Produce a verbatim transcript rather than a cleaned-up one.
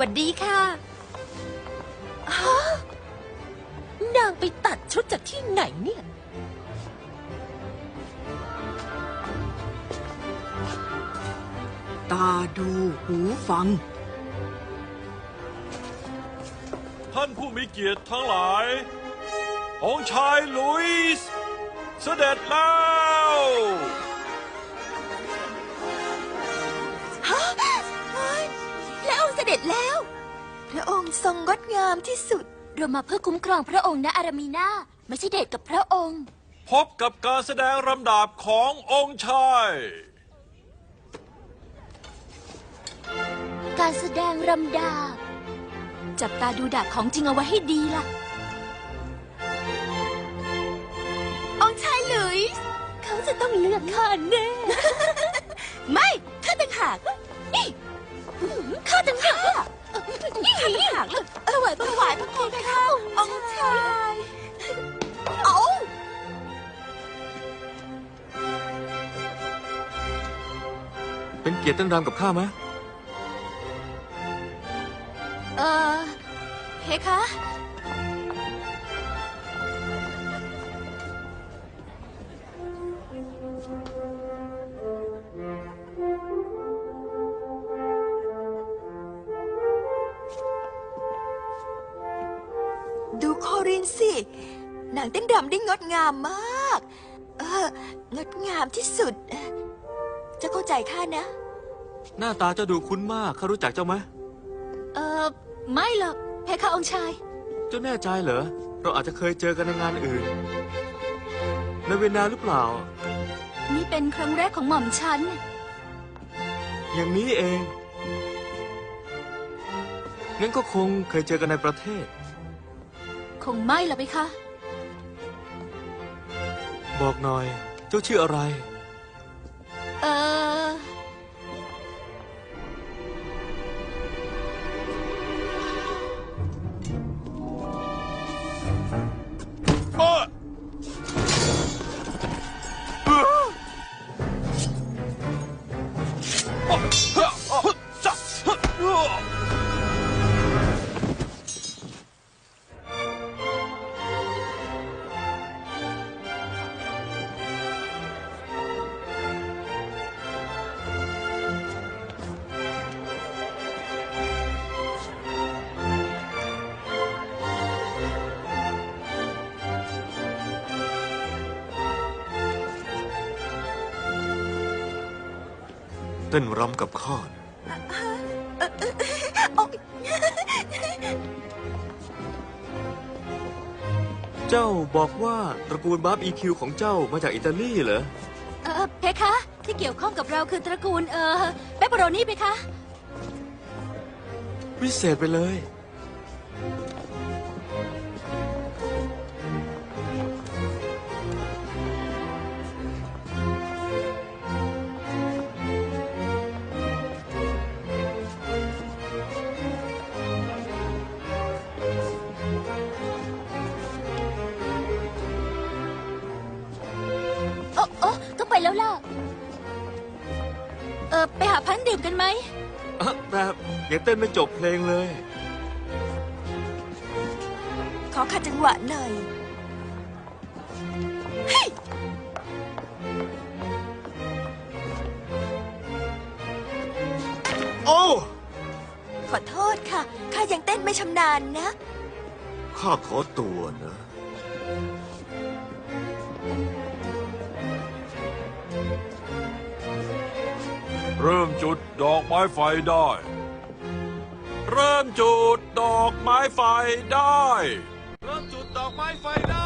วัสดีค่ะฮะนางไปตัดชุดจากที่ไหนเนี่ยตาดูหูฟังท่านผู้มีเกียรติทั้งหลายองค์ชายหลุยส์เสด็จแล้วฮะเฮ้ยและองค์เสด็จแล้ว พระองค์ทรงงดงามที่สุด เรามาเพื่อคุ้มครองพระองค์นะอารามีนาไม่ใช่เดทกับพระองค์พบกับการแสดงรำดาบขององค์ชายการแสดงรำดาบจับตาดูดาบของจริงเอาไว้ให้ดีล่ะ องค์ชายหลุยส์เขาจะต้องเลือกข้าแน่ ไม่ข้าต่างหากนี่ข้าต่างหากนี่ข้าต่างหากเลยถวายถวายพระคุณข้าองค์ชายเอาเป็นเกียรติเต้นรำกับข้าไหมเออเพคะดูโครินสินางเต้นรำได้งดงามมาก เอองดงามที่สุด จะเข้าใจข้านะหน้าตาเจ้าดูคุ้นมากข้ารู้จักเจ้าไหมเออไม่หรอกเพคะองค์ชายเจ้าแน่ใจเหรอเราอาจจะเคยเจอกันในงานอื่นในเวียนนาหรือเปล่านี่เป็นครั้งแรกของหม่อมฉันอย่างนี้เองงั้นก็คงเคยเจอกันในประเทศคงไม่หรอกเพคะบอกหน่อยเจ้าชื่ออะไรเออเอ้อเอ้อเอ้อเฮ้อเฮ้อจ๊ะเฮ้อเอ้อเต้นรำกับข้าเจ้าบอกว่าตระกูลบาร์บอีคิวของเจ้ามาจากอิตาลีเหรอเออเพคะ ที่เกี่ยวข้องกับเราคือตระกูลเออเปปเปอโรนี่เพคะวิเศษไปเลยโอ้โอ้ต้องไปแล้วล่ะ เออไปหาพันดื่มกันไหมอะแต่ยังเต้นไม่จบเพลงเลยขอขัดจังหวะหน่อย เฮ้ยโอ้ขอโทษค่ะ ข้ายังเต้นไม่ชำนาญนะข้าขอตัวนะเริ่มจุดดอกไม้ไฟได้ เริ่มจุดดอกไม้ไฟได้ เริ่มจุดดอกไม้ไฟได้